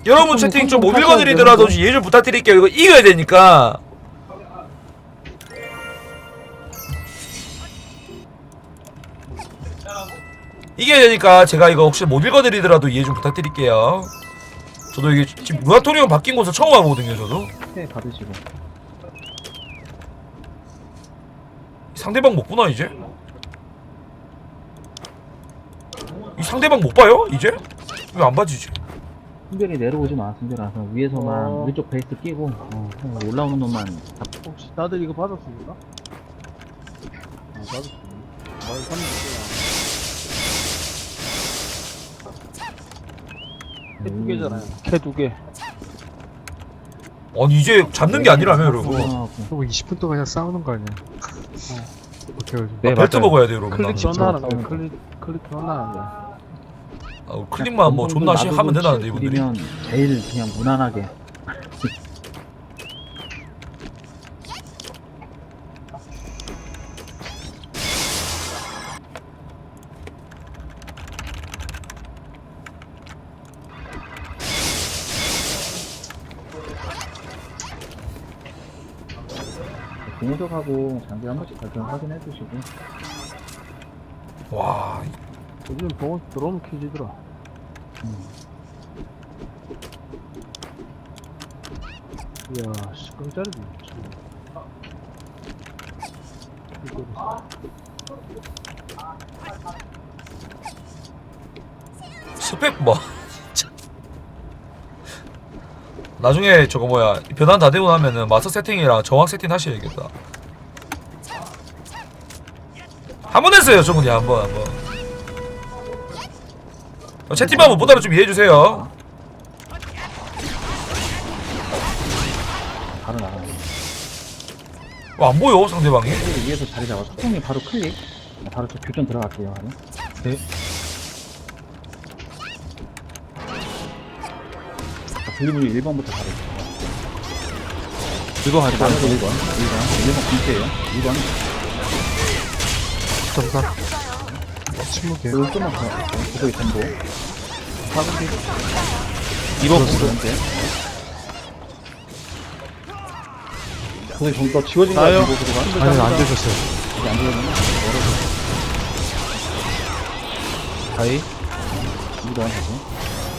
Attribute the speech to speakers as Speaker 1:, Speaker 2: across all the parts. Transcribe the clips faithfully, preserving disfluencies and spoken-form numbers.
Speaker 1: 여러분 채팅 좀 못 읽어드리더라도 이해 좀 부탁드릴게요. 이거 이겨야 되니까. 이겨야 되니까 제가 이거 혹시 못 읽어드리더라도 이해 좀 부탁드릴게요. 저도 이게 지금 루아토리움 바뀐 곳을 처음 와보거든요. 저도
Speaker 2: 네, 받으시고.
Speaker 1: 상대방 못 보나 이제? 이 상대방 못 봐요? 이제? 왜 안 봐지지?
Speaker 2: 승별이 내려오지 마, 승별아. 그냥 위에서만
Speaker 3: 어.
Speaker 2: 우리 쪽 베이스 끼고 어, 그냥 올라오는 놈만 잡.
Speaker 3: 혹시 다들 이거 받았습니까? 아, 받았습니다. 말 삼 개 두 개잖아요. 캐 두 개.
Speaker 1: 아니 이제 잡는 게 아니라며 여러분.
Speaker 4: 그럼 이십 분 동안 그냥 싸우는 거 아니야? 어떻게 해야지?
Speaker 2: 네,
Speaker 1: 아, 벨트
Speaker 2: 맞아요.
Speaker 1: 먹어야 돼 여러분.
Speaker 3: 클릭
Speaker 1: 나는.
Speaker 3: 존나 하는
Speaker 2: 싸우는
Speaker 3: 거야. 클릭 클릭 존나 하는 거야.
Speaker 1: 아, 클릭만 뭐 존나 시 하면 된다는데 이분들이.
Speaker 2: 면 제일 그냥 무난하게. 공격하고 장비 한 번씩 발전 확인해 주시고.
Speaker 1: 와
Speaker 3: 요즘 병원 들어오면 켜지더라.
Speaker 2: 음.
Speaker 3: 이야, 씨, 깜짝이야.
Speaker 1: 스펙 뭐. 나중에 저거 뭐야 변환 다 되고 나면은 마스터 세팅이랑 정확 세팅 하셔야겠다. 한 번 했어요 저분이 한번 한번. 어, 채팅방 못 보다가 좀 이해해주세요.
Speaker 2: 바로 나가요.
Speaker 1: 어, 안 보여 상대방이.
Speaker 2: 클릭 위에서 자리 잡아. 소통이 바로 클릭. 바로 저 교전 들어갈게요. 바로.
Speaker 4: 네.
Speaker 2: 분리분리 일 번부터 바로.
Speaker 4: 이거 하자.
Speaker 2: 일 번, 일 번, 일 번, 일 번 공채예요. 이 번.
Speaker 4: 점사. 침묵이에요.
Speaker 2: 그리고 좀만 더. 구독이 전보.
Speaker 3: 사분기.
Speaker 2: 이 번 공도 현재. 구독이 전보 지워진 거
Speaker 3: 나요?
Speaker 2: 같은 구독가.
Speaker 4: 아니 안 되셨어요.
Speaker 2: 이제 안 지워지나? 멀어서.
Speaker 4: 다이.
Speaker 2: 이 번 다시.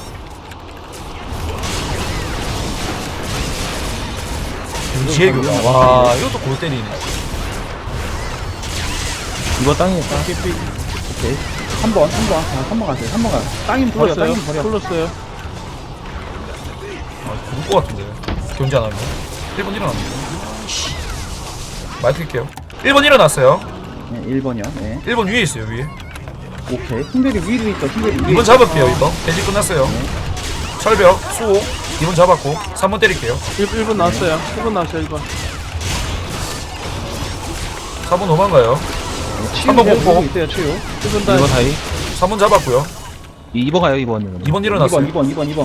Speaker 1: 지혜교. 와 이것도 골 때리네.
Speaker 2: 이번 땅이니까. 오케이. 한 번, 한 번. 아, 한 번 가세요. 한 번 가. 땅이면 버려,
Speaker 3: 풀었어요.
Speaker 2: 땅이면 버려.
Speaker 3: 풀었어요.
Speaker 1: 아 죽을 것 같은데 견제 안 하면. 일 번 일어납니다. 마이크 켤게요. 일 번 일어났어요.
Speaker 2: 네, 일 번이요. 네.
Speaker 1: 일 번 위에 있어요 위에.
Speaker 2: 오케이. 승별이 위로 있다. 승별이 위에
Speaker 1: 이 번
Speaker 2: 있다.
Speaker 1: 잡을게요 이 번. 벤지 끝났어요. 철벽 수호 이 번 잡았고 삼 번 때릴게요.
Speaker 3: 일 분 나왔어요. 일 분 나왔어요, 일 분.
Speaker 1: 사 번 도망가요.
Speaker 2: 치유
Speaker 1: 한번
Speaker 2: 그냥
Speaker 4: 뭐?
Speaker 1: 공포.
Speaker 2: 보고 있어요, 치유.
Speaker 3: 일 분 다.
Speaker 4: 이거 다이.
Speaker 1: 삼 번 잡았고요.
Speaker 4: 이 번 가요 이 번.
Speaker 1: 이 번 일어났어요.
Speaker 2: 이 번, 이 번, 이 번.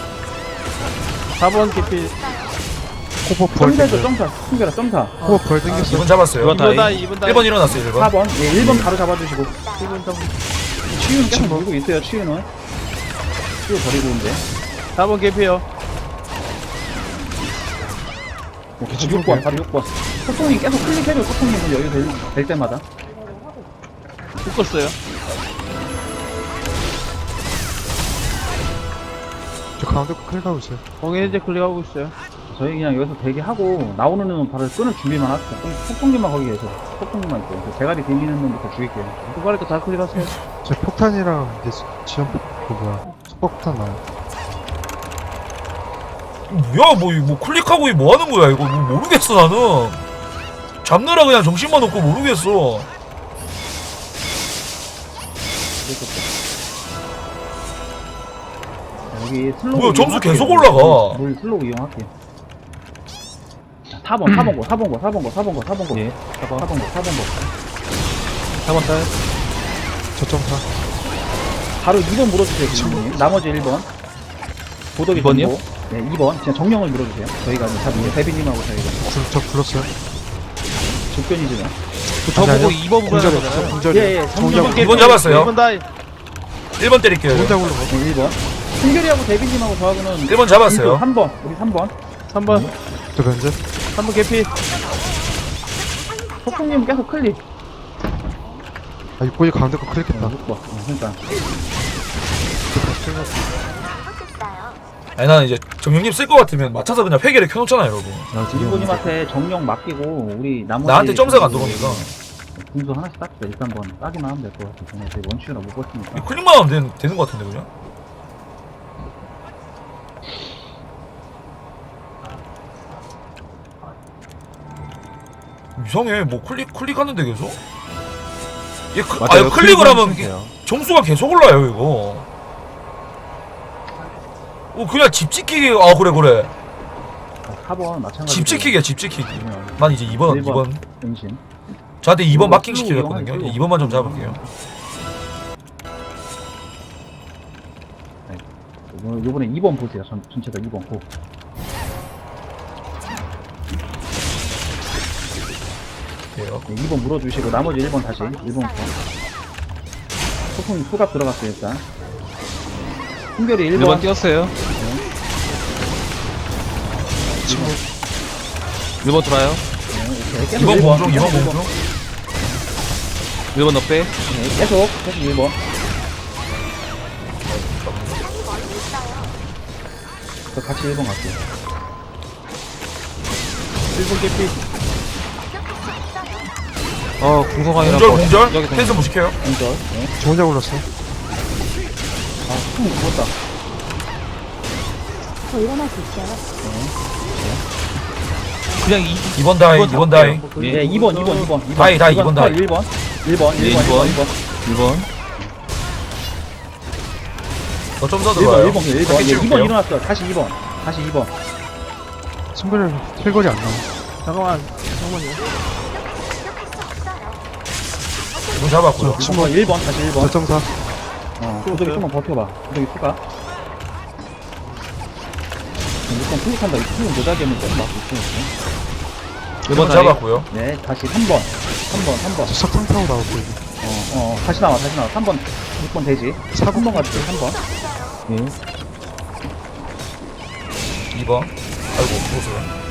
Speaker 3: 사 번 깊이.
Speaker 4: 코버 벌
Speaker 2: 점사죠,
Speaker 4: 땡겨.
Speaker 2: 점사. 승별아, 점사.
Speaker 4: 코버 벌
Speaker 1: 이
Speaker 4: 땡겼어.
Speaker 1: 번 잡았어요.
Speaker 4: 이번
Speaker 3: 이 분 다,
Speaker 4: 다이.
Speaker 3: 이 분 다.
Speaker 1: 일 번 일어났어요 일
Speaker 2: 사
Speaker 1: 번.
Speaker 2: 번. 예, 일 번 바로 잡아주시고.
Speaker 3: 일 분 잡.
Speaker 2: 치유는 계속 물고 있어요, 치유는. 치유 버리고 있는데.
Speaker 3: 사 번 깊이요.
Speaker 2: 오케이, 지금 육 번, 바로 육 번. 소통이 계속 클릭해줘, 소통님은 여유 될, 될 때마다.
Speaker 3: 묶었어요.
Speaker 4: 저 가운데 거 클릭하고 있어요.
Speaker 3: 공연 이제 클릭하고 있어요.
Speaker 2: 저희 그냥 여기서 대기하고, 나오는 놈은 바로 끊을 준비만 하세요. 소통님만 거기 계세요. 소통님만 있어요. 그 대가리 대미는 놈부터 죽일게요.
Speaker 3: 두 발니까 다 클릭하세요.
Speaker 4: 저 폭탄이랑 이제 지연 그 뭐야 속박폭탄 나요.
Speaker 1: 뭐야 뭐, 이- 뭐 클릭하고 이 뭐 하는 거야 이거 뭐 모르겠어 나는. 잡느라 그냥 정신만 없고 모르겠어.
Speaker 2: 자, 여기 슬로우.
Speaker 1: 뭐야, 점수
Speaker 2: 이용할게요.
Speaker 1: 계속 올라가.
Speaker 2: 물 슬로우 이용할게요. 자, 사 번, 사 번 거, 사 번 거, 사 번 거, 사 번 거, 사 번 거.
Speaker 4: 예.
Speaker 2: 사 번, 사 번 거, 사 번 거.
Speaker 4: 사 번 딸. 저 점사.
Speaker 2: 바로 이 번 물어주세요, 지금. 나머지 일 번. 보덕이
Speaker 4: 이 번이요?
Speaker 2: 전보. 네, 이 번. 그냥 정령을 물어주세요. 저희가 이제 대비님하고 저희가
Speaker 4: 굴, 저 굴렀어요.
Speaker 2: 조건이지만.
Speaker 4: 저보고 이 번 불러야 되잖아요.
Speaker 2: 예, 예.
Speaker 4: 정작
Speaker 2: 정령.
Speaker 1: 이 번 잡았어요.
Speaker 3: 일 분 다.
Speaker 1: 일 번 때릴게요.
Speaker 4: 정작 굴러.
Speaker 2: 네, 일 번. 승결이하고 대빈님하고 저하고는
Speaker 1: 일 번 잡았어요.
Speaker 2: 삼 번 우리 삼 번
Speaker 3: 삼 번
Speaker 4: 저 면제.
Speaker 3: 삼 번 개피.
Speaker 2: 폭풍님 계속 클릭
Speaker 4: 아, 육번이 가운데 거 클릭했다.
Speaker 2: 육 번 어, 그러니까
Speaker 1: 아니 나는 이제 정령님 쓸 것 같으면 맞춰서 그냥 회계를 켜놓잖아요 여러분.
Speaker 2: 일본님한테 정령 맡기고 우리 나머지
Speaker 1: 나한테 점사가 안 들어오니까.
Speaker 2: 분수 하나씩 땄어. 일단 번 따기만 하면 될 것 같아. 그냥 제 원슈라 못 버티니까.
Speaker 1: 클릭만 하면 되는, 되는 것 같은데 그냥. 이상해. 뭐 클릭 클릭하는데 계속? 얘 그, 아 이거 클릭을 하면 이게 점수가 계속 올라요 이거. 어 그냥 집 지키기. 아 그래 그래.
Speaker 2: 사 번 마찬가지.
Speaker 1: 집 지키기야 집 지키기. 난 이제 이 번 이 번
Speaker 2: 은신.
Speaker 1: 저한테 이 번
Speaker 2: 이거
Speaker 1: 마킹 시켜줬거든요.
Speaker 2: 이거
Speaker 1: 이 번만 좀 잡을게요.
Speaker 2: 요- 요번에 이 번 보세요. 전, 전체 다 이 번 고.
Speaker 1: 돼요.
Speaker 2: 네, 이 번 물어주시고 나머지 일 번 다시 일 번 고. 소풍 수갑 들어갔어요 일단. 흥결이 일
Speaker 3: 일 번
Speaker 2: 번.
Speaker 3: 뛰었어요.
Speaker 4: 친구.
Speaker 3: 일 번 돌아요.
Speaker 2: 네, 오케이. 계속
Speaker 1: 이 번
Speaker 2: 일 번.
Speaker 1: 공중 이 번
Speaker 2: 일 번.
Speaker 1: 공중.
Speaker 3: 일 번 너 빼.
Speaker 2: 네, 계속 계속 일 번. 저 같이 일 번 갈게요.
Speaker 3: 일 번 개피. 어 궁성왕이랑
Speaker 1: 공절 공절.
Speaker 3: 여기 동-
Speaker 1: 펜스 무식해요.
Speaker 2: 공절. 네.
Speaker 4: 저 혼자 골랐어.
Speaker 2: 아, 총 죽었다.
Speaker 5: 저 일어날 수 있어요?
Speaker 3: 그냥 이
Speaker 1: 이 번 다이 이 번 다이.
Speaker 2: 네, 이 번, 이 번, 이 번, 이 번.
Speaker 1: 다이, 다이, 이 번 다이.
Speaker 2: 일 번, 일 번,
Speaker 3: 네,
Speaker 2: 일 번, 일 번, 일 번.
Speaker 3: 일 번.
Speaker 1: 더 점사
Speaker 2: 일 번,
Speaker 1: 들어와요.
Speaker 2: 일 번, 일 번.
Speaker 1: 짧게
Speaker 2: 예, 이 번
Speaker 1: 찍을게요.
Speaker 2: 일어났어요. 다시 이 번. 다시 이 번.
Speaker 4: 친구를 킬거리 안 나와.
Speaker 3: 잠깐만. 잠깐만요.
Speaker 1: 이 번 잡았고요.
Speaker 2: 일 번, 일 번, 다시 일 번.
Speaker 4: 결정사.
Speaker 2: 어, 구독이 좀만 버텨봐. 구독이 수가. 일단 클릭한다. 이 클릭 모자게 하면 좀 막고 있어요.
Speaker 1: 일 번 잡았고요.
Speaker 2: 네, 다시 삼 번. 삼 번, 삼 번.
Speaker 4: 저 석탄 타고 나올 거고.
Speaker 2: 어, 어, 다시 나와, 다시 나와. 삼 번, 육 번 되지. 삼 번 가줄게, 삼 번. 네.
Speaker 1: 이 번. 아이고 죽었어요.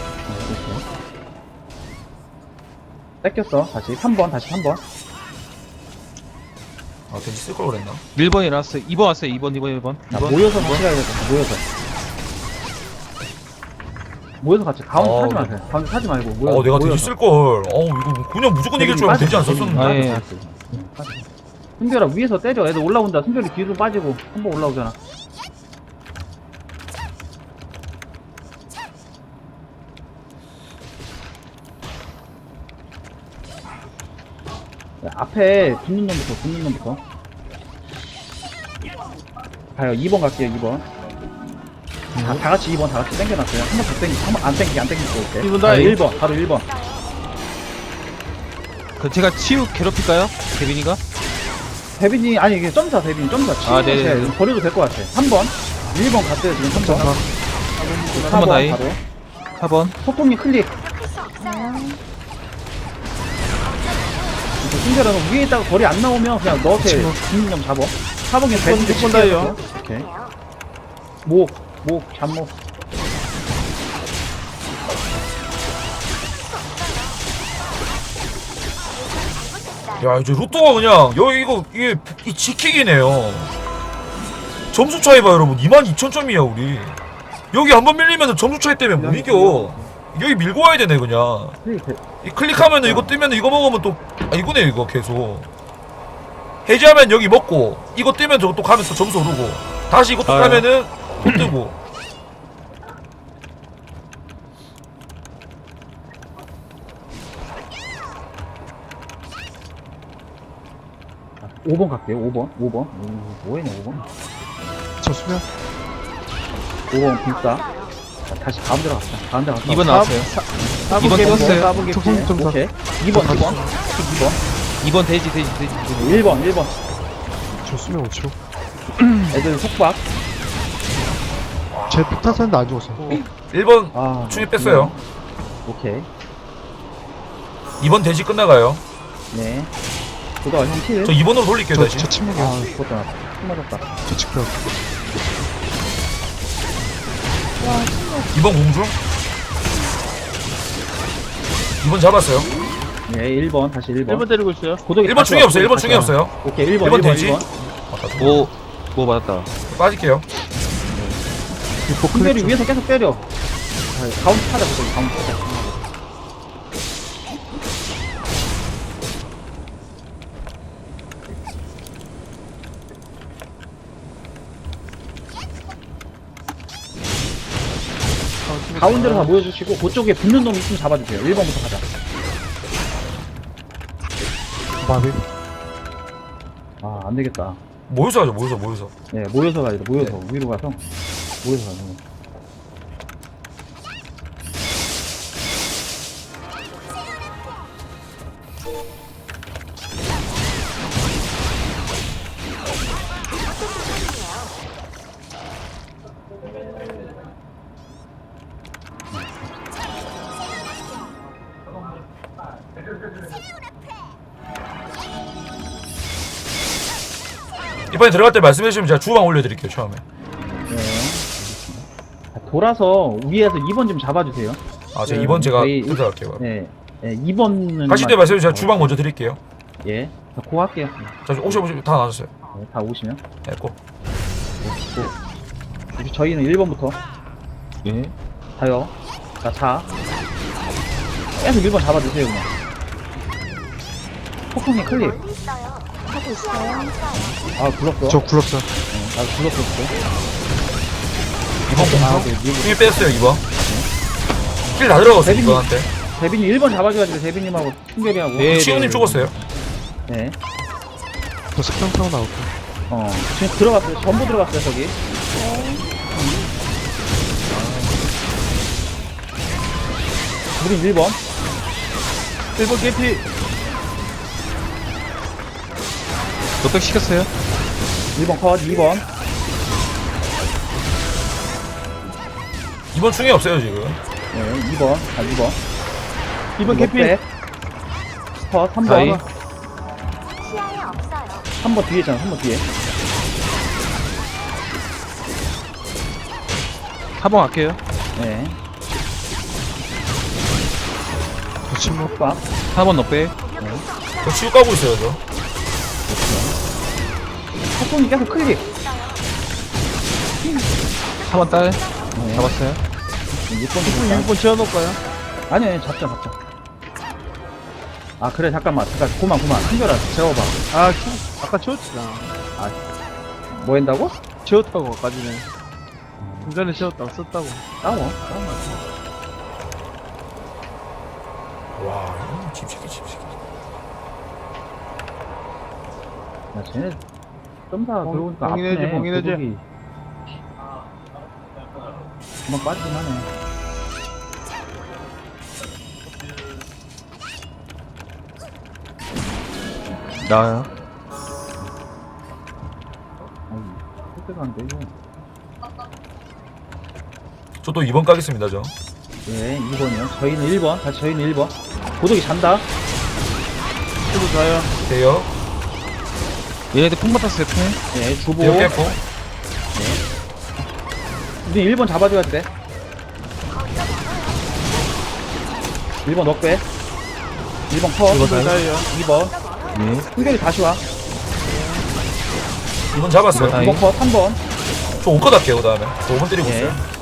Speaker 2: 뺏겼어. 다시 삼 번, 다시 삼 번.
Speaker 1: 아 괜히 쓸걸 그랬나?
Speaker 3: 일 번이 나왔어요. 이 번 왔어요. 이 번, 이 번, 일 번.
Speaker 2: 자,
Speaker 3: 이 번.
Speaker 2: 모여서 같이 가야겠다. 모여서. 모여서 같이. 가운데
Speaker 1: 어,
Speaker 2: 타지
Speaker 1: 네.
Speaker 2: 마세요. 가운데 타지 말고 모여서.
Speaker 1: 어 내가 되게
Speaker 2: 모여서.
Speaker 1: 쓸걸. 어우 이거 그냥 무조건 이길 줄 알고 되지 않았었는데.
Speaker 3: 아, 예.
Speaker 2: 승별아 위에서 때려. 애들 올라온다. 승별이 뒤로 빠지고 한 번 올라오잖아. 야, 앞에 붙는 놈부터 붙는 놈부터 가요. 이 번 갈게요. 이 번. 다, 다 같이 이 번 다 같이 땡겨놨어요. 한 번 더 땡기, 한 번 안 땡기게 안 땡기고 올게.
Speaker 3: 일 번 다이.
Speaker 2: 일 번 바로 일 번.
Speaker 3: 그 제가 치유 괴롭힐까요? 대빈이가?
Speaker 2: 데빈이 아니 이게 점사 데빈 점사
Speaker 3: 아,
Speaker 2: 치는
Speaker 3: 네네네.
Speaker 2: 거 버려도 될 것 같아. 삼 번 일 번 갔어요 지금 삼 번.
Speaker 4: 점사.
Speaker 3: 삼 번 다이.
Speaker 2: 바로
Speaker 3: 사 번.
Speaker 2: 소통이 클릭. 신결은 위에 있다가 거리 안 나오면 그냥 너한테 중립점 잡아. 사 번에 배진데
Speaker 3: 육 번 다이요.
Speaker 2: 오케이. 목, 목, 잡목.
Speaker 1: 야 이제 로또가 그냥 여기 이거 이게 이 지키기네요. 점수 차이 봐 여러분. 이만 이천 점이야 우리. 여기 한 번 밀리면 점수 차이 때문에 못 이겨. 여기 밀고 와야 되네 그냥.
Speaker 2: 클릭 돼.
Speaker 1: 이 클릭하면은 이거 뜨면 이거 먹으면 또 아 이거네 이거 계속. 해제하면 여기 먹고 이거 뜨면 저거 또 가면서 점수 오르고 다시 이거 또
Speaker 3: 아유.
Speaker 1: 가면은 또 뜨고.
Speaker 2: 오 번 갈게요. 오 번. 오 번. 오, 뭐해네 오 번.
Speaker 4: 저 수면.
Speaker 2: 오 번 불사. 자, 다시 가운데로 갔다. 가운데로 갔다.
Speaker 3: 이 번 나왔어요. 이 번 떴어요.
Speaker 2: 사 번
Speaker 4: 소통 점사.
Speaker 2: 오케이. 이 번, 이 번. 이 번.
Speaker 3: 이 번 돼지, 돼지, 돼지. 돼지.
Speaker 2: 일 번, 일 번.
Speaker 4: 저 수면 오 초.
Speaker 2: 애들 속박.
Speaker 4: 제 폭탄 쐈는데 안 죽었어.
Speaker 1: 일 번
Speaker 2: 아.
Speaker 1: 충이 뺐어요.
Speaker 2: 오케이.
Speaker 1: 이 번 대지 끝나가요.
Speaker 2: 네. 그거 형 킬.
Speaker 1: 저 이 번으로 돌릴게요
Speaker 4: 저,
Speaker 1: 다시.
Speaker 4: 저 침묵이야.
Speaker 2: 아, 죽었다. 나. 총 맞았다.
Speaker 4: 저 직변.
Speaker 1: 이번 공중. 이번 잡았어요.
Speaker 2: 예, 일 번 다시 일 번.
Speaker 3: 일 번 때리고 있어요.
Speaker 2: 고독이
Speaker 1: 일 번
Speaker 2: 다시
Speaker 1: 충이
Speaker 2: 와,
Speaker 1: 없어요. 일 번
Speaker 2: 다시
Speaker 1: 충이
Speaker 2: 와.
Speaker 1: 없어요.
Speaker 2: 오케이, 일 번,
Speaker 1: 일 번
Speaker 2: 일 번,
Speaker 1: 되지?
Speaker 2: 일 번.
Speaker 5: 오, 오 맞았다.
Speaker 1: 빠질게요.
Speaker 4: 유포
Speaker 2: 승별이
Speaker 4: 클릭
Speaker 2: 위에서 계속 때려. 아, 가운데 타자, 고독이 가운데 타자. 가운데로 다 모여주시고 그쪽에 붙는 놈 있으면 잡아주세요. 일 번부터 가자.
Speaker 4: 마비.
Speaker 2: 아, 안 되겠다.
Speaker 1: 모여서 하죠. 모여서 모여서.
Speaker 2: 네, 모여서 가야 돼. 모여서 위로 가서 모여서 가는 거.
Speaker 1: 이번에 들어갈 때 말씀해 주시면 제가 주방 올려드릴게요. 처음에.
Speaker 2: 네. 자, 돌아서 위에서 이 번 좀 잡아주세요.
Speaker 1: 아, 제가 이번 제가
Speaker 2: 저희
Speaker 1: 들어갈게요.
Speaker 2: 네, 네, 이 번은
Speaker 1: 가실 때 말씀해 주세요. 제가 주방 먼저 드릴게요.
Speaker 2: 예, 자, 고 할게요.
Speaker 1: 자, 오시 오시 다 나눠주세요.
Speaker 2: 네, 다 오시면.
Speaker 1: 네, 고.
Speaker 2: 이제 저희는 일 번부터
Speaker 5: 예.
Speaker 2: 자요. 자, 자. 계속 일 번 잡아주세요, 그냥. 폭풍이 클릭.
Speaker 6: 하고 있어요.
Speaker 2: 아, 굴렀어.
Speaker 4: 저 굴렀어요.
Speaker 2: 네, 아, 굴렀었어.
Speaker 1: 이번
Speaker 2: 아,
Speaker 1: 공중.
Speaker 2: 네, 일 번.
Speaker 1: 힘이 뺐어요. 이번. 킬 다 들어갔어요.
Speaker 2: 대빈이-
Speaker 1: 이번한테.
Speaker 2: 대빈님 일 번 잡아줘가지고 대빈님하고 충결이하고.
Speaker 5: 네.
Speaker 1: 치우님 죽었어요.
Speaker 2: 네.
Speaker 4: 저 석경 타고 나올게요.
Speaker 2: 어, 지금 들어갔어요. 전부 들어갔어요, 저기. 우린 일 번.
Speaker 3: 일 번 개피.
Speaker 5: 넉백 시켰어요?
Speaker 2: 일 번 컷, 이 번.
Speaker 1: 이번 충이 없어요 지금.
Speaker 2: 네, 이 번. 아, 이 번.
Speaker 3: 이 번 개피.
Speaker 2: 컷, 삼
Speaker 5: 다이.
Speaker 2: 번.
Speaker 6: 시야에 없어요.
Speaker 2: 삼 번 뒤에 있잖아, 삼 번 뒤에.
Speaker 5: 사 번 갈게요.
Speaker 2: 네.
Speaker 4: 저 침묵.
Speaker 2: 빡.
Speaker 5: 사 번 넉백.
Speaker 1: 저 치유 까고 있어요 저.
Speaker 2: 폭풍이 계속 클릭.
Speaker 5: 사 번 딸.
Speaker 2: 네.
Speaker 5: 잡았어요.
Speaker 2: 육 번
Speaker 3: 육 번 지어놓을까요?
Speaker 2: 아니, 아니, 잡자, 잡자. 아, 그래, 잠깐만. 잠깐, 고만, 고만. 한결아, 재워봐.
Speaker 3: 아, 키- 아까 지웠잖아.
Speaker 2: 뭐 한다고?
Speaker 3: 지웠다고, 아까 전에. 좀 전에 지웠다고, 썼다고.
Speaker 2: 싸워. 싸워.
Speaker 1: 와 이거 집새끼 집새끼.
Speaker 2: 야, 쟤네 점사
Speaker 3: 봉-
Speaker 2: 들어오니까
Speaker 3: 봉인해지,
Speaker 2: 아프네.
Speaker 3: 봉인해지.
Speaker 2: 도둑이. 금방 빠지긴 하네.
Speaker 5: 나와요.
Speaker 2: 아이, 그때가 안 되고.
Speaker 1: 저 또 이번 까겠습니다 저.
Speaker 2: 예, 이 번이요. 저희는 일 번. 다시 저희는 일 번. 고독이 잔다.
Speaker 3: 저도 자요.
Speaker 1: 대요.
Speaker 5: 얘네들 풍 받았어요, 풍.
Speaker 2: 예, 주보.
Speaker 1: 대요 깼고.
Speaker 2: 우리 일 번 잡아줘야 돼. 일 번 넉배. 일 번 컷.
Speaker 5: 이번
Speaker 3: 저도 자요.
Speaker 2: 이 번.
Speaker 5: 예.
Speaker 2: 승결이 다시 와.
Speaker 1: 이번 잡았어요.
Speaker 5: 이번
Speaker 2: 이 번 컷. 삼 번.
Speaker 1: 저 오 컷 할게요 그 다음에. 저 오 번 때리고
Speaker 2: 예.
Speaker 1: 있어요.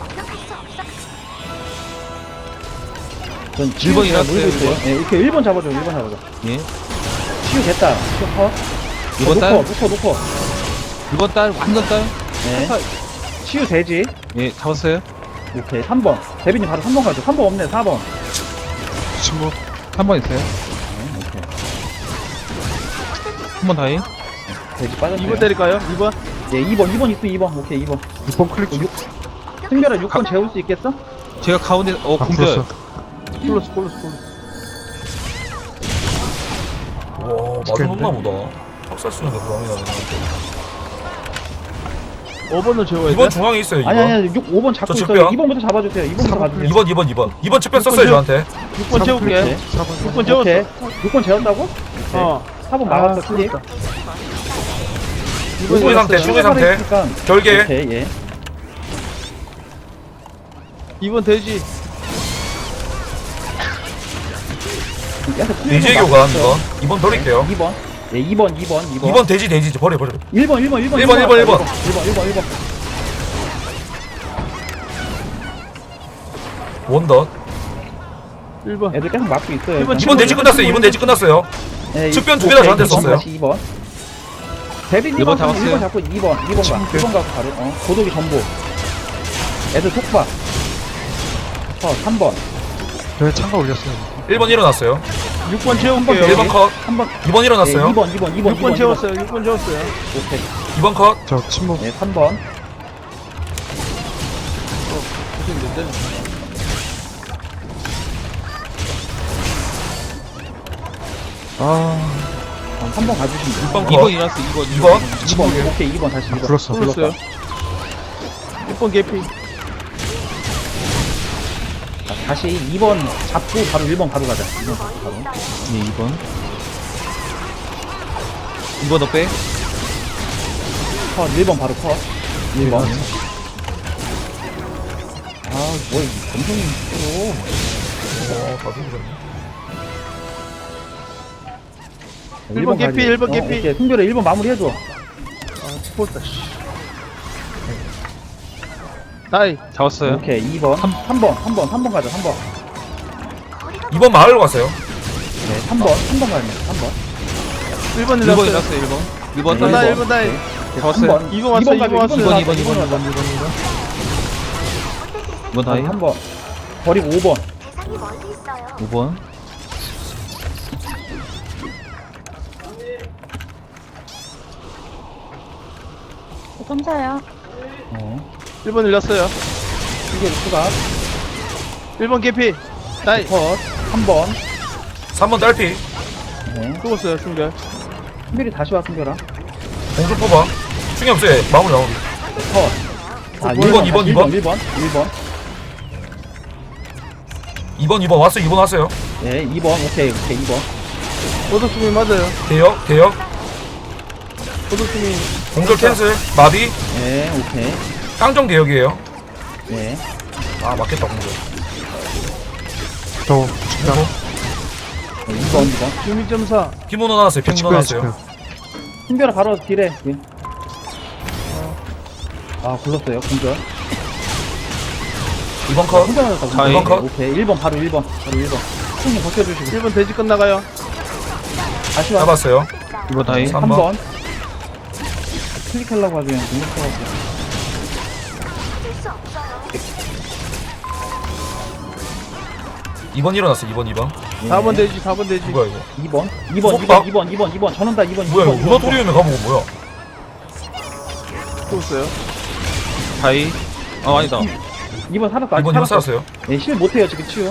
Speaker 2: 전
Speaker 5: 일 번
Speaker 2: 치유
Speaker 5: 일어났어요,
Speaker 2: 놀고 있어요.
Speaker 5: 일 번.
Speaker 2: 예, 이렇게 일 번 잡아줘. 일 번 잡아줘.
Speaker 5: 예.
Speaker 2: 치유 됐다. 치유 컷.
Speaker 5: 이번 딸.
Speaker 2: 놓고, 놓고, 놓고.
Speaker 5: 이번 딸, 완전 딸.
Speaker 2: 네. 치유 되지.
Speaker 5: 예, 잡았어요.
Speaker 2: 오케이. 삼 번. 대빈이 바로 삼 번 가죠. 삼 번 없네. 사 번.
Speaker 4: 침묵.
Speaker 5: 한 번 있어요.
Speaker 2: 네, 오케이.
Speaker 5: 한 번 다이.
Speaker 2: 돼지 빠졌어요.
Speaker 3: 이 번 때릴까요? 이 번?
Speaker 2: 예, 이 번. 이 번 있으면 이 번. 오케이, 이 번.
Speaker 4: 육 번 클릭.
Speaker 2: 승별아, 육 번 재울 수 있겠어?
Speaker 5: 제가 가운데, 어,
Speaker 4: 아,
Speaker 5: 공격.
Speaker 4: 굴렀어.
Speaker 3: 콜로스, 콜로스, 콜로스.
Speaker 1: 와 맞았나 보다. 학살 쓰는데 불안이 나네.
Speaker 3: 오 번을 재워야 돼.
Speaker 1: 이번 중앙에 있어요 이번.
Speaker 2: 아니, 아니, 아니, 육, 오 번 잡고
Speaker 1: 저
Speaker 2: 있어요.
Speaker 1: 측병.
Speaker 2: 이 번부터 잡아주세요. 이 번부터 가주세요.
Speaker 1: 이번 이번 이번. 이번 측변 썼어요 저한테.
Speaker 3: 육 번 재울게.
Speaker 4: 사 번.
Speaker 3: 육 번 재웠어.
Speaker 2: 오케이. 육 번 재웠다고?
Speaker 3: 어.
Speaker 2: 사 번 막았어, 클릭.
Speaker 1: 충의 상태 충의 상태. 결계.
Speaker 2: 오케이, 예.
Speaker 3: 이 번 돼지.
Speaker 2: 계속
Speaker 1: 돼지의 교관 이번 이번 돌릴게요.
Speaker 2: 이 번. 예, 이 번, 이 번, 이 번.
Speaker 1: 이번 돼지 돼지 버려 버려.
Speaker 2: 일 번, 일 번, 일 번.
Speaker 1: 일 번, 일 번, 일 번.
Speaker 2: 일 번, 일 번, 일 번.
Speaker 1: 원덧.
Speaker 3: 일 번.
Speaker 2: 애들 계속 막고 있어요.
Speaker 3: 일 번
Speaker 1: 이번 돼지 끝났어요. 이번 돼지 끝났어요.
Speaker 2: 네,
Speaker 1: 측변 두개다 저한테
Speaker 2: 오케이,
Speaker 1: 썼어요.
Speaker 2: 다시 이 번. 데뷔
Speaker 5: 일 번
Speaker 2: 일 번
Speaker 5: 잡았어요.
Speaker 2: 잡고 이 번, 이 번 가. 이 번 가고 바로. 어, 고독이 전부. 애들 톡바. 어, 삼 번.
Speaker 4: 왜 창가 올렸어요?
Speaker 1: 일 번 일어났어요.
Speaker 3: 육 번
Speaker 2: 번
Speaker 3: 채울게요.
Speaker 1: 일 번 컷.
Speaker 2: 한 번.
Speaker 1: 이 번 일어났어요.
Speaker 2: 이 번, 이 번, 이 번.
Speaker 3: 육 번 채웠어요. 육 번 채웠어요.
Speaker 2: 오케이.
Speaker 1: 이 번 컷.
Speaker 4: 저 침묵.
Speaker 2: 네, 삼 번.
Speaker 4: 아,
Speaker 2: 어, 삼 번 가주시면 돼요.
Speaker 1: 육 번
Speaker 5: 이 번
Speaker 1: 컷.
Speaker 5: 일어났어. 이 번.
Speaker 1: 이 번.
Speaker 2: 이 번. 오케이, 이 번 다시 이 번.
Speaker 4: 불렀어.
Speaker 3: 불렀어요. 육 번 개피.
Speaker 2: 자, 다시 이 번 잡고 바로 일 번 바로 가자. 이 번 바로.
Speaker 5: 네, 이 번. 이 번 더 빼.
Speaker 2: 컷, 일 번 바로 컷. 일 번. 아, 뭐, 이 검성이 있어.
Speaker 1: 어, 다 죽으셨네.
Speaker 3: 일 번 개피, 일 번 개피.
Speaker 2: 오케이, 승별아 일 번 마무리 해줘.
Speaker 3: 아, 스포츠다, 씨. 다이.
Speaker 5: 잡았어요.
Speaker 2: 오케이, 이 번. 삼, 삼 번, 삼 번, 삼 번 가자, 삼 번.
Speaker 1: 이 번 마을로 갔어요.
Speaker 2: 네, 삼 번, 삼 번 가자, 삼 번.
Speaker 3: 일 번
Speaker 5: 일 번
Speaker 3: 일어났어요.
Speaker 5: 일어났어요. 일 번. 일 번
Speaker 3: 나
Speaker 5: 다이.
Speaker 3: 일 번 다이.
Speaker 5: 잡았어요.
Speaker 2: 삼 번.
Speaker 3: 이 번 왔어요, 이 번 왔어요.
Speaker 5: 이 번, 이 번, 이 번,
Speaker 2: 번,
Speaker 5: 이 번, 이 번, 이 번. 이 번 다이.
Speaker 2: 삼 번. 버리고 오 번.
Speaker 6: 대상이 멀리 있어요.
Speaker 5: 오 번.
Speaker 6: 감사해요.
Speaker 2: 어.
Speaker 3: 일 번 일어났어요.
Speaker 2: 이게 추가.
Speaker 3: 일 번 개피. 다이.
Speaker 2: 컷. 삼 번.
Speaker 1: 삼 번 딸피.
Speaker 2: 네.
Speaker 3: 죽었어요, 승별.
Speaker 2: 승별이 다시 와, 승별아.
Speaker 1: 공주 뽑아. 충이 없어요. 마무리 마무리.
Speaker 2: 컷. 아,
Speaker 1: 일 번, 이 번, 이 번.
Speaker 2: 일 번, 일 번.
Speaker 1: 이 번 이 번 왔어요. 이 번 왔어요.
Speaker 2: 네, 이 번. 오케이, 오케이, 이 번.
Speaker 3: 도둑주민 맞아요.
Speaker 1: 대역 대역.
Speaker 3: 도둑주민.
Speaker 1: 공절 캔슬. 마비.
Speaker 2: 네, 오케이.
Speaker 1: 깡정 대역이에요.
Speaker 2: 네.
Speaker 1: 아 맞겠다 공절.
Speaker 4: 저 측면.
Speaker 2: 네, 이 번, 이 번.
Speaker 3: 주민점사.
Speaker 1: 피모노 나왔어요. 피모노
Speaker 4: 측면,
Speaker 1: 나왔어요.
Speaker 4: 측면.
Speaker 2: 승별아 바로 딜해. 예. 아, 굴렀어요. 공절.
Speaker 1: 이 번 컷.
Speaker 2: 혼자 맞았다.
Speaker 5: 자이.
Speaker 2: 일 번
Speaker 1: 컷.
Speaker 2: 오케이. 일 번 바로 일 번. 바로 일 번. 승님 벗겨주시고.
Speaker 3: 일 번 돼지 끝나가요.
Speaker 2: 다시 와.
Speaker 1: 잡았어요.
Speaker 5: 이 번 다이.
Speaker 1: 삼
Speaker 2: 삼
Speaker 1: 번.
Speaker 2: 번. 클릭하려고 하지 그냥 공격해가지고.
Speaker 6: 찾을 수 없어요.
Speaker 1: 이 번 일어났어. 이 번 이 번.
Speaker 3: 사 번 돼지, 사 번 돼지.
Speaker 1: 누가 이거?
Speaker 2: 이 번. 이 번, 이
Speaker 1: 속박?
Speaker 2: 번, 이 번, 이 번, 이 번. 전원다 이 번.
Speaker 1: 뭐야
Speaker 2: 이
Speaker 1: 이거?
Speaker 2: 번,
Speaker 1: 누가 토리움에 가보고 뭐야?
Speaker 3: 죽었어요.
Speaker 5: 다이. 아, 아니다.
Speaker 2: 이 번 살았어.
Speaker 1: 이
Speaker 2: 아직
Speaker 1: 번 이 번
Speaker 2: 살았어.
Speaker 1: 살았어요.
Speaker 2: 네, 실 못해요 지금 치유.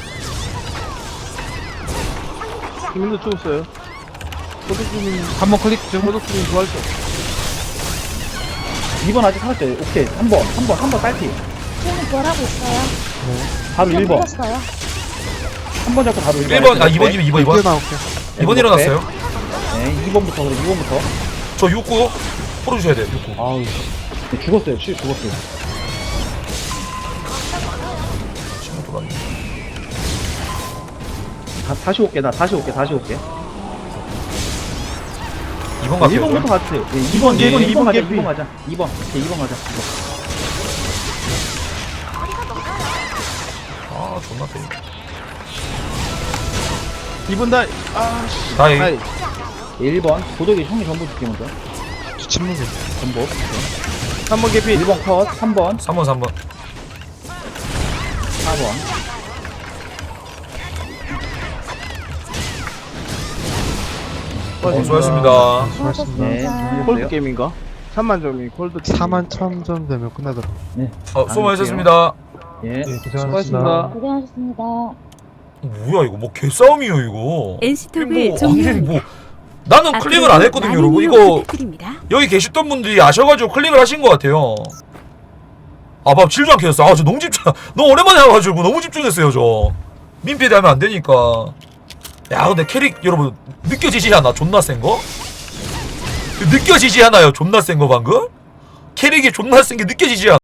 Speaker 3: 주민도 죽었어요. 도둑주민,
Speaker 5: 한 번 클릭 좀.
Speaker 3: 도둑주민 부활죠.
Speaker 2: 이 번 아직 살았죠. 오케이. 삼 번, 삼 번, 삼 번 딸피.
Speaker 6: 지금 뭐라고 있어요?
Speaker 2: 바로 일 번.
Speaker 6: 불렀어요.
Speaker 2: 한 번 잡고 바로 일 번.
Speaker 1: 일 번 아 이 번 이 번 이 번 이 번.
Speaker 4: 뛰어나올게.
Speaker 1: 이 번 일어났어요.
Speaker 2: 네, 이 번부터 그래. 이 번부터.
Speaker 1: 저 육 구 풀어주셔야 돼요. 육 구.
Speaker 2: 아우. 네, 죽었어요. 치 죽었어요.
Speaker 1: 친구 돌았네.
Speaker 2: 다, 다시 올게. 나 다시 올게. 다시 올게.
Speaker 1: 이 번
Speaker 2: 네, 일
Speaker 1: 갈게요.
Speaker 2: 번부터
Speaker 1: 그럼.
Speaker 2: 같아요. 네, 이 번,
Speaker 3: 예,
Speaker 2: 이 번,
Speaker 3: 이
Speaker 2: 이
Speaker 3: 번
Speaker 2: 번 가자.
Speaker 3: 개피.
Speaker 2: 이 번 가자. 이 번. 오케이, 이 번 가자. 이 번.
Speaker 1: 아 존나 세.
Speaker 3: 이 번 다이. 아, 씨.
Speaker 1: 다이.
Speaker 3: 다이.
Speaker 2: 일 번. 도덕이 형이 전부 줄게 먼저.
Speaker 4: 침묵이.
Speaker 2: 전부.
Speaker 3: 삼 번 개피.
Speaker 2: 일 번 컷. 삼 번.
Speaker 1: 삼 번 삼 번.
Speaker 2: 사 번.
Speaker 1: 어, 수고하셨습니다.
Speaker 4: 수고하셨습니다.
Speaker 2: 네.
Speaker 6: 감사합니다.
Speaker 3: 콜드
Speaker 2: 안녕하세요.
Speaker 3: 게임인가? 삼만 점이 콜드 게임.
Speaker 4: 사만 천 점 되면 끝나더라고.
Speaker 2: 네.
Speaker 1: 어, 수고 많으셨습니다.
Speaker 2: 예.
Speaker 4: 네,
Speaker 3: 수고하셨습니다.
Speaker 4: 고생하셨습니다.
Speaker 6: 고생하셨습니다.
Speaker 1: 뭐야 이거 뭐 개싸움이요 이거.
Speaker 7: 엔스톱의
Speaker 1: 뭐,
Speaker 7: 종료.
Speaker 1: 아니, 뭐 나는 클릭을 안 했거든요 여러분. 이거 여기 계셨던 분들이 아셔가지고 클릭을 하신 것 같아요. 아, 밥 질도 않게 했어. 아, 저 너무 집중, 너무 오랜만에 와가지고 너무 집중했어요, 저. 민폐 되면 안 되니까. 야, 근데 캐릭, 여러분, 느껴지지 않아? 존나 센 거? 느껴지지 않아요? 존나 센 거 방금? 캐릭이 존나 센 게 느껴지지 않아?